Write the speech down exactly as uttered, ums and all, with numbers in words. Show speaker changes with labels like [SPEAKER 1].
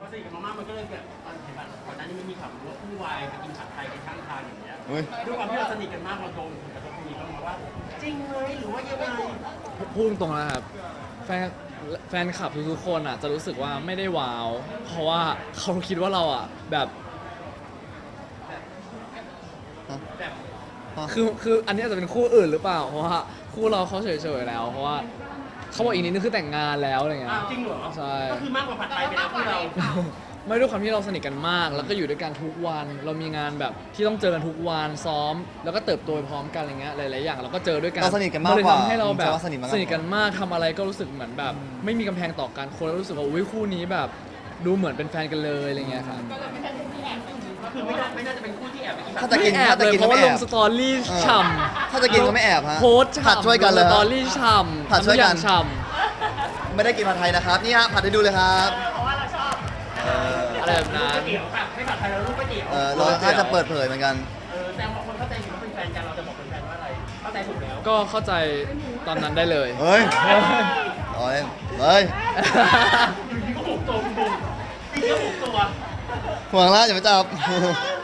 [SPEAKER 1] สนิทกันมากๆมันก็เลยแบบตอนเห็นแบบก่อนหน้านี้มันมีข่าวว่าคู่วายไปกินผัดไทยกันข้างทางอย่างเงี้ยด้วยความที่เราสนิทกันมากเราโดนผลกระทบตรงนี้บ้างไหมว่าจริงไหมหรือว่ายังไง
[SPEAKER 2] พูดตรงๆนะครับแฟนแฟนคลับทุกๆคนอ่ะจะรู้สึกว่าไม่ได้ว้าว เพราะว่าเขาคิดว่าเราอ่ะแบบคือคืออันนี้อาจจะเป็นคู่อื่นหรือเปล่าเพราะว่าคู่เราเขาเฉยๆแล้วเพราะว่าเขาบอกอีกนิดนึงคือแต่งงานแล้วอะไรเงี้ย
[SPEAKER 1] อ้าวจริงเหรอ
[SPEAKER 2] ใช่
[SPEAKER 1] ก็คือมากกว่าผัดไทยไปแล้วพวกเรา
[SPEAKER 2] ไม่ด้วยความที่เราสนิทกันมาก แล้วก็อยู่ด้วยกันทุกวัน เรามีงานแบบที่ต้องเจอกันทุกวันซ้อม แล้วก็เติบโตไปพร้อมกันอะไรเงี้ยหลายๆอย่างเราก็เจอด้วยกัน
[SPEAKER 3] เราสนิทกันมาก
[SPEAKER 2] เลย
[SPEAKER 3] กว่า
[SPEAKER 2] ทำให้เราแบบ
[SPEAKER 3] จะว่าสนิทมากกว่า
[SPEAKER 2] สนิทกันมากทำอะไรก็รู้สึกเหมือนแบบ ไม่มีกำแพงต่อกันคนแล้วรู้สึกว่าอุ้ยคู่นี้แบบดูเหมือนเป็นแฟนกันเลยอะไรเงี้ยครับ
[SPEAKER 1] ก็คือไม่น่าไม่น่าจะเป็นคู่ที่แอบไปกินผั
[SPEAKER 3] ถ้า
[SPEAKER 1] ด
[SPEAKER 3] จะ
[SPEAKER 1] ไทย
[SPEAKER 3] กิน
[SPEAKER 2] ไม่แอบ
[SPEAKER 3] ถ้า
[SPEAKER 2] เล
[SPEAKER 3] จะ
[SPEAKER 2] ย
[SPEAKER 3] กิน
[SPEAKER 2] เพราะ
[SPEAKER 3] ก็
[SPEAKER 2] ว่า
[SPEAKER 3] ไม่
[SPEAKER 2] ล
[SPEAKER 3] แอง บ
[SPEAKER 2] สตอรี่
[SPEAKER 3] เออ
[SPEAKER 2] ฉ่
[SPEAKER 3] ถ้าจะกินก็ไม่แอบฮะ
[SPEAKER 2] ำโพสต์
[SPEAKER 3] ผัด
[SPEAKER 2] ฉ่ำ
[SPEAKER 3] ช่วยกันเลย
[SPEAKER 2] ส
[SPEAKER 3] ฮะ
[SPEAKER 2] ตอรี่ฉ่ำ
[SPEAKER 3] ผัดช่วยกัน
[SPEAKER 2] ทำทุอย่างฉ่
[SPEAKER 3] ไม่ได้กินผัดไทยนะครับนี่ฮะผัดให้ดูเลยครับ
[SPEAKER 1] เพราะว่าเราชอบ
[SPEAKER 3] เออ
[SPEAKER 2] ำอะไรแบบนั้น
[SPEAKER 1] ก๋วยเตี๋ยวค่ะไม่ผัดไทยเราลูกก๋วยเตี๋ยว
[SPEAKER 3] เออเราอาจจะเปิดเผยเหมือนกัน
[SPEAKER 1] เออแต่บางคนเข้าใจผิดว่าเป็นแฟนกันเราจะบอกเป็นแฟนว่าอะไรเข้าใจถูกแล้ว
[SPEAKER 2] ก็เข้าใจตอนนั้นได้เลย
[SPEAKER 3] เฮ้ยโอ้ยเฮ้ย
[SPEAKER 1] อยู่ดีก็หุบตัวคุณบุ๋มจริงก็หุบตัว
[SPEAKER 3] ห่วงแล้วอย่าไปจับ